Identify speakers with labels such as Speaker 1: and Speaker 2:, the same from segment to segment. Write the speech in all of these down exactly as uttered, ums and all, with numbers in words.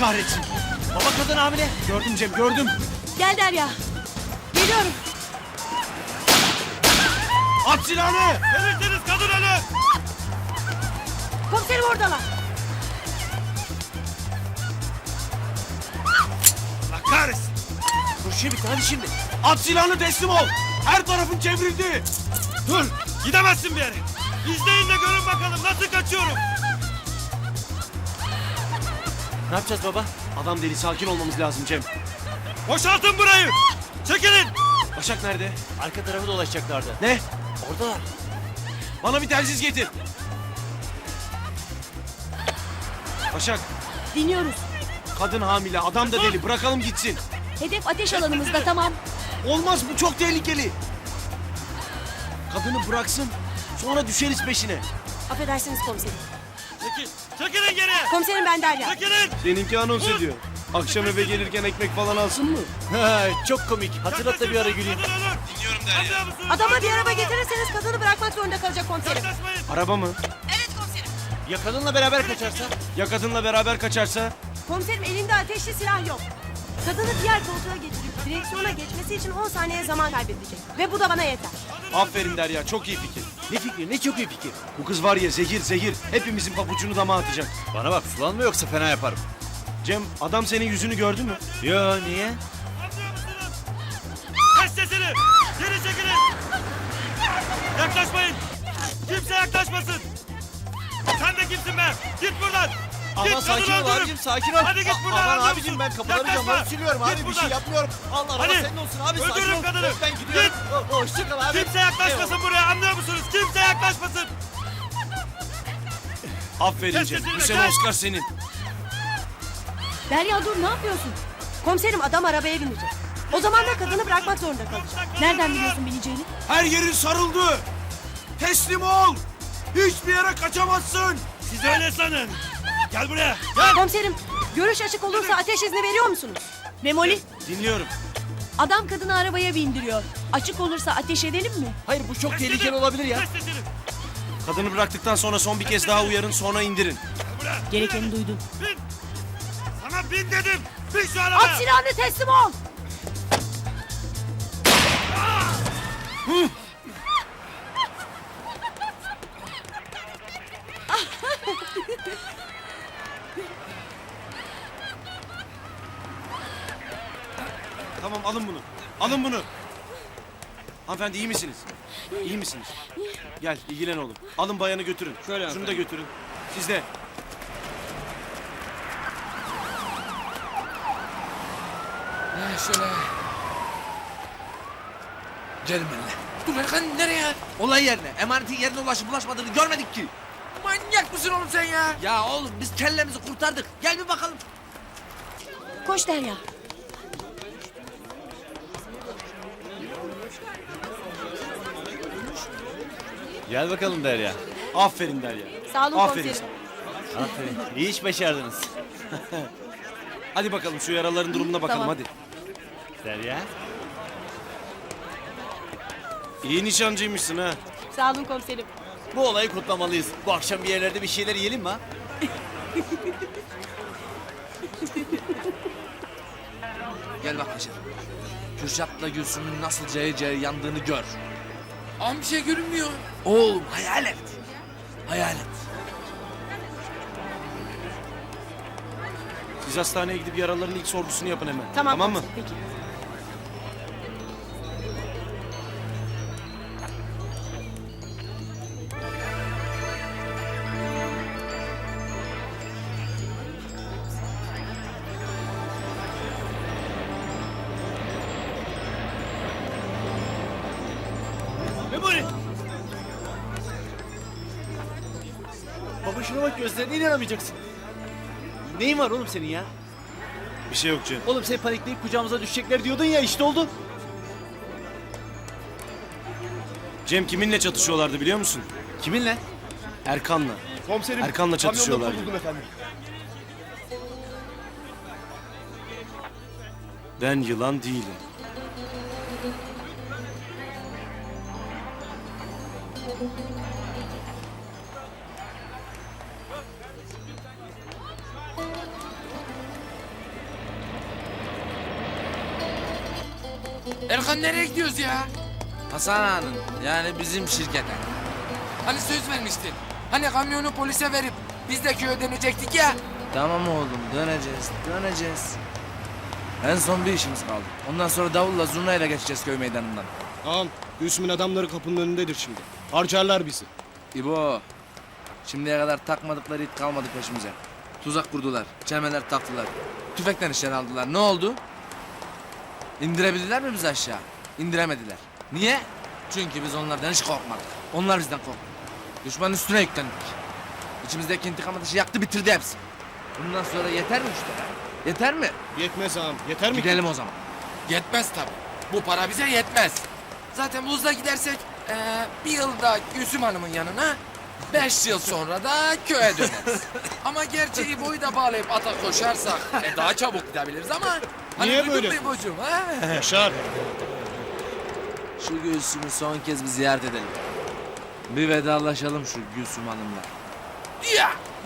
Speaker 1: kahretsin. Baba kadın hamile. Gördüm Cem, gördüm.
Speaker 2: Gel Derya. Geliyorum.
Speaker 1: At silahını.
Speaker 3: Verirseniz kadın ölür.
Speaker 2: Komiserim oradalar.
Speaker 3: Allah kahretsin.
Speaker 1: Kurşun bitti, hadi şimdi. At silahını, teslim ol. Her tarafın çevrildi.
Speaker 3: Dur. Gidemezsin bir yere. İzleyin de görün bakalım nasıl kaçıyorum.
Speaker 1: Ne yapacağız baba? Adam deli, sakin olmamız lazım Cem.
Speaker 3: Boşaltın burayı. Çekilin.
Speaker 1: Başak nerede?
Speaker 4: Arka tarafı dolaşacaklardı.
Speaker 1: Ne?
Speaker 4: Oradalar.
Speaker 1: Bana bir telsiz getir. Başak,
Speaker 2: Dinliyoruz.
Speaker 1: kadın hamile, adam da deli. Bırakalım gitsin.
Speaker 2: Hedef ateş alanımızda, tamam.
Speaker 1: Olmaz, bu çok tehlikeli. Kadını bıraksın, sonra düşeriz peşine.
Speaker 2: Affedersiniz komiserim.
Speaker 3: Çekil. Çekilin geri.
Speaker 2: Komiserim ben Derya.
Speaker 3: Çekilin.
Speaker 1: Seninki anons ediyor. Akşam eve gelirken ekmek falan alsın mı?
Speaker 4: Çok komik. Hatırlat da bir ara güleyim.
Speaker 3: Kadın ölür.
Speaker 1: Dinliyorum
Speaker 3: Anlıyor musunuz?
Speaker 2: Adama bir araba getirirseniz kadını bırakmak zorunda kalacak komiserim.
Speaker 3: Yaklaşmayın.
Speaker 1: Araba mı?
Speaker 2: Evet komiserim.
Speaker 4: Ya kadınla beraber kaçarsa?
Speaker 1: Ya kadınla beraber kaçarsa?
Speaker 2: Komiserim elinde ateşli silah yok. Kadını diğer koltuğa getirip direksiyona geçmesi için on saniye zaman kaybedecek. Ve bu da bana yeter.
Speaker 1: Aferin Derya, çok iyi fikir.
Speaker 4: Ne fikri? Ne çok iyi fikir.
Speaker 1: Bu kız var ya, zehir zehir. Hepimizin pabucunu dama atacak.
Speaker 4: Bana bak, sulanma yoksa fena yaparım.
Speaker 1: Cem, adam senin yüzünü gördü mü?
Speaker 4: Yo, niye?
Speaker 3: Anlıyor musunuz? Kes sesini. Geri çekilin. Yaklaşmayın. Kimse yaklaşmasın. Sen de kimsin be? Git buradan.
Speaker 4: Ama
Speaker 3: Git,
Speaker 4: sakin
Speaker 3: kadını
Speaker 4: ol
Speaker 3: öldürürüm.
Speaker 4: abicim, sakin ol.
Speaker 3: Hadi git
Speaker 4: A-
Speaker 3: buradan.
Speaker 4: Aman
Speaker 3: anlıyor
Speaker 4: abicim,
Speaker 3: musun?
Speaker 4: ben kapıları
Speaker 3: Yaklaşma.
Speaker 4: camları siliyorum
Speaker 3: Git
Speaker 4: abi, bir
Speaker 3: buradan.
Speaker 4: şey yapmıyorum. Allah
Speaker 3: Hadi.
Speaker 4: Allah senin olsun abi, sakin
Speaker 3: Öldürün
Speaker 4: ol.
Speaker 3: kadını.
Speaker 4: Ben gidiyorum.
Speaker 3: Git.
Speaker 4: O- Hoşça kal abi.
Speaker 3: Kimse yaklaşmasın buraya, anlıyor musunuz? Kimse yaklaşmasın.
Speaker 1: Aferin
Speaker 3: Kes
Speaker 1: Cem,
Speaker 3: sesini
Speaker 1: bu
Speaker 3: be,
Speaker 1: sene
Speaker 3: kes.
Speaker 1: Oscar senin.
Speaker 2: Derya dur, ne yapıyorsun? Komiserim adam arabaya binecek. O zaman da kadını bırakmak zorunda kalacak. Nereden biliyorsun bineceğini?
Speaker 1: Her yerin sarıldı. Teslim ol. Hiçbir yere kaçamazsın.
Speaker 3: Siz öyle sanın. Gel buraya. Gel.
Speaker 2: Komiserim, görüş açık olursa ateş izni veriyor musunuz? Memoli,
Speaker 1: Dinliyorum.
Speaker 2: adam kadını arabaya bindiriyor. Açık olursa ateş edelim mi?
Speaker 4: Hayır, bu çok
Speaker 3: Kes
Speaker 4: tehlikeli
Speaker 3: sesini.
Speaker 4: olabilir ya.
Speaker 3: Kes sesini.
Speaker 1: Kadını bıraktıktan sonra son bir kez daha uyarın, sonra indirin.
Speaker 3: Gel buraya.
Speaker 2: Gerekeni duydun.
Speaker 3: Bin. Sana bin dedim. Bin şu arabaya.
Speaker 2: At silahını, teslim ol!
Speaker 1: Tamam, alın bunu. Alın bunu. Hanımefendi, iyi misiniz? İyi misiniz? Gel, ilgilen oğlum. Alın bayanı götürün.
Speaker 4: Şöyle
Speaker 1: Şunu da
Speaker 4: hanımefendi.
Speaker 1: götürün. Siz de.
Speaker 5: Şöyle. Gelin benimle. Dur Erkan, nereye?
Speaker 4: Olay yerine, emanetin yerine ulaşıp ulaşmadığını görmedik ki.
Speaker 5: Manyak mısın oğlum sen ya?
Speaker 4: Ya oğlum, biz kellemizi kurtardık. Gel bir bakalım.
Speaker 2: Koş Derya.
Speaker 4: Gel bakalım Derya.
Speaker 1: Aferin Derya.
Speaker 2: Sağ olun
Speaker 1: Aferin
Speaker 2: komiserim.
Speaker 1: sana.
Speaker 4: Aferin. İyi iş başardınız.
Speaker 1: Hadi bakalım şu yaraların durumuna bakalım,
Speaker 2: Tamam.
Speaker 1: hadi.
Speaker 4: Derya.
Speaker 1: İyi nişancıymışsın ha.
Speaker 2: Sağ olun komiserim.
Speaker 4: Bu olayı kutlamalıyız. Bu akşam bir yerlerde bir şeyler yiyelim mi ha?
Speaker 5: Gel bak Hacer. Kürşat'la Gülsüm'ün nasıl cayır cayır yandığını gör. Ama bir şey görünmüyor. Oğlum hayal et. Hayal et.
Speaker 1: Siz hastaneye gidip yaraların ilk sorgusunu yapın hemen.
Speaker 2: Tamam,
Speaker 1: tamam mı?
Speaker 2: komiserim, peki.
Speaker 4: Memoli! Baba şuna bak, gözlerine inanamayacaksın. Neyin var oğlum senin ya?
Speaker 1: Bir şey yok Cem.
Speaker 4: Oğlum sen panikleyip kucağımıza düşecekler diyordun ya, işte oldu.
Speaker 1: Cem, kiminle çatışıyorlardı biliyor musun?
Speaker 4: Kiminle?
Speaker 1: Erkan'la.
Speaker 6: Komiserim,
Speaker 1: Erkan'la çatışıyorlar.
Speaker 6: kamyonda buldum efendim.
Speaker 1: Ben yılan değilim.
Speaker 6: Erkan nereye gidiyoruz ya?
Speaker 5: Hasan Ağa'nın yani bizim şirkete.
Speaker 6: Hani söz vermiştin. Hani kamyonu polise verip biz de köye dönecektik ya.
Speaker 5: Tamam oğlum döneceğiz döneceğiz. En son bir işimiz kaldı. Ondan sonra davulla zurnayla geçeceğiz köy meydanından.
Speaker 7: Ağam, Gülsüm'ün adamları kapının önündedir şimdi. Harcarlar bizi.
Speaker 5: İbo. Şimdiye kadar takmadıkları it kalmadı peşimize. Tuzak kurdular, çemeler taktılar. Tüfekten işler aldılar. Ne oldu? İndirebildiler mi bizi aşağı? İndiremediler. Niye? Çünkü biz onlardan hiç korkmadık. Onlar bizden korktu. Düşmanın üstüne yüklendik. İçimizdeki intikam ateşi yaktı bitirdi hepsi. Bundan sonra yeter mi işte? Yeter mi?
Speaker 7: Yetmez ağam, yeter mi?
Speaker 5: Gidelim o zaman.
Speaker 6: Yetmez tabii. Bu para bize yetmez. Zaten bu hızla gidersek eee, bir yılda Gülsüm Hanım'ın yanına, beş yıl sonra da köye döneriz. Ama gerçeği boyu da bağlayıp ata koşarsak e, daha çabuk gidebiliriz ama... Hani
Speaker 7: Niye
Speaker 6: duydun
Speaker 7: böyle
Speaker 6: mu İbocuğum, ha?
Speaker 7: Yaşar.
Speaker 5: Şu Gülsüm'ü son kez bir ziyaret edelim. Bir vedalaşalım şu Gülsüm Hanım'la.
Speaker 6: Ya!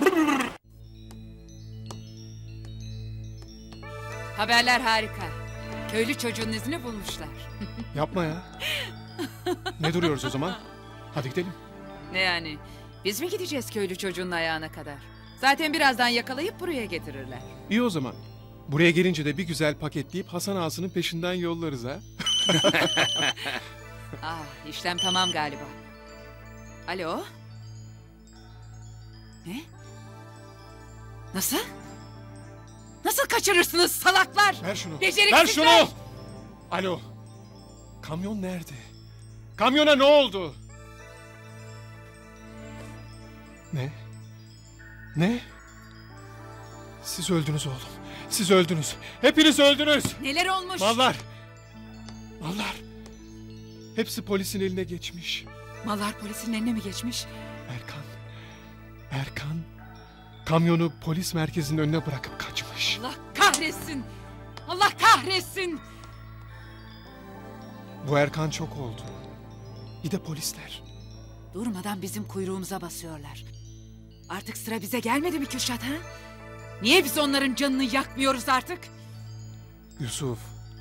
Speaker 8: Haberler harika. Köylü çocuğun izini bulmuşlar.
Speaker 9: Yapma ya. Ne duruyoruz o zaman? Hadi gidelim.
Speaker 8: Ne yani? Biz mi gideceğiz köylü çocuğun ayağına kadar? Zaten birazdan yakalayıp buraya getirirler.
Speaker 9: İyi o zaman. Buraya gelince de bir güzel paketleyip Hasan Ağası'nın peşinden yollarız ha.
Speaker 8: Ah, işlem tamam galiba. Alo? Ne? Nasıl? Nasıl kaçırırsınız salaklar?
Speaker 9: Ver şunu.
Speaker 8: Beceriksizler!
Speaker 9: Ver şunu! Alo. Kamyon nerede? Kamyona ne oldu? Ne? Ne? Siz öldünüz oğlum. Siz öldünüz. Hepiniz öldünüz.
Speaker 8: Neler olmuş?
Speaker 9: Mallar. Mallar. Hepsi polisin eline geçmiş.
Speaker 8: Mallar polisin eline mi geçmiş?
Speaker 9: Erkan. Erkan. Kamyonu polis merkezinin önüne bırakıp kaçmış.
Speaker 8: Allah kahretsin! Allah kahretsin!
Speaker 9: Bu Erkan çok oldu. Bir de polisler.
Speaker 8: Durmadan bizim kuyruğumuza basıyorlar. Artık sıra bize gelmedi mi Kürşat ha? Niye biz onların canını yakmıyoruz artık?
Speaker 9: Yusuf.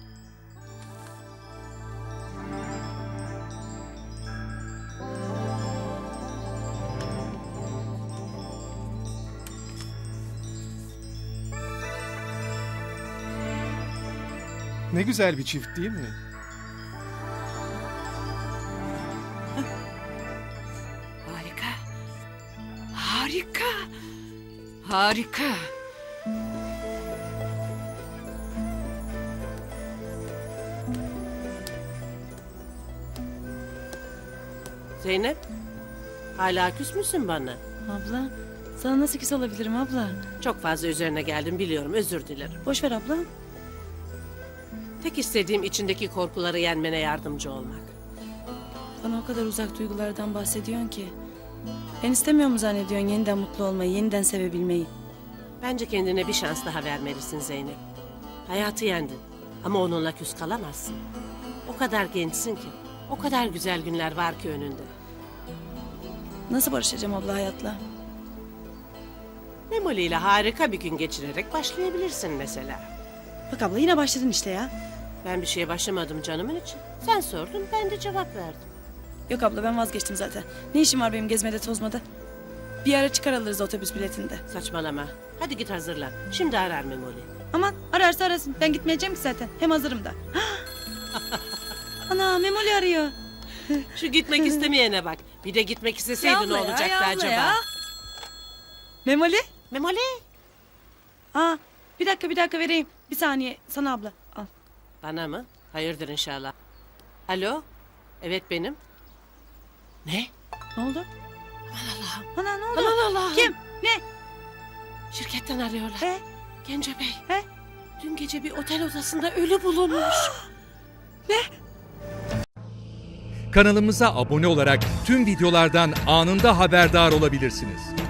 Speaker 9: Ne güzel bir çift değil mi?
Speaker 8: Harika. Harika. Harika.
Speaker 2: Zeynep, hala küs müsün bana?
Speaker 10: Abla, sana nasıl küs olabilirim abla?
Speaker 2: Çok fazla üzerine geldim biliyorum, özür dilerim.
Speaker 10: Boş ver abla.
Speaker 2: Tek istediğim içindeki korkuları yenmene yardımcı olmak.
Speaker 10: Bana o kadar uzak duygulardan bahsediyorsun ki. Ben istemiyor mu zannediyorsun yeniden mutlu olmayı, yeniden sevebilmeyi?
Speaker 2: Bence kendine bir şans daha vermelisin Zeynep. Hayatı yendin ama onunla küs kalamazsın. O kadar gençsin ki, o kadar güzel günler var ki önünde.
Speaker 10: Nasıl barışacağım abla hayatla?
Speaker 2: Memoli ile harika bir gün geçirerek başlayabilirsin mesela.
Speaker 10: Bak abla yine başladın işte ya.
Speaker 2: Ben bir şeye başlamadım canımın için. Sen sordun, ben de cevap verdim.
Speaker 10: Yok abla ben vazgeçtim zaten. Ne işim var benim gezmede tozmada? Bir ara çıkar alırız otobüs biletinde.
Speaker 2: Saçmalama. Hadi git hazırlan. Şimdi arar Memoli.
Speaker 10: Aman ararsa arasın. Ben gitmeyeceğim ki zaten. Hem hazırım da. Ana Memoli arıyor.
Speaker 2: Şu gitmek istemeyene bak. Bir de gitmek isteseydi ne
Speaker 10: Ya abla ya,
Speaker 2: olacaktı
Speaker 10: ya abla
Speaker 2: acaba?
Speaker 10: ya. Memoli?
Speaker 2: Memoli.
Speaker 10: Aa, bir dakika bir dakika vereyim. Bir saniye sana abla. Al.
Speaker 2: Bana mı? Hayırdır inşallah. Alo? Evet benim. Ne?
Speaker 10: Ne oldu?
Speaker 2: Allah'ım.
Speaker 10: Ana ne oldu?
Speaker 2: Aman Allah'ım.
Speaker 10: Kim? Ne?
Speaker 2: Şirketten arıyorlar.
Speaker 10: He?
Speaker 2: Gence Bey.
Speaker 10: He?
Speaker 2: Dün gece bir otel odasında ölü bulunmuş.
Speaker 11: Kanalımıza abone olarak tüm videolardan anında haberdar olabilirsiniz.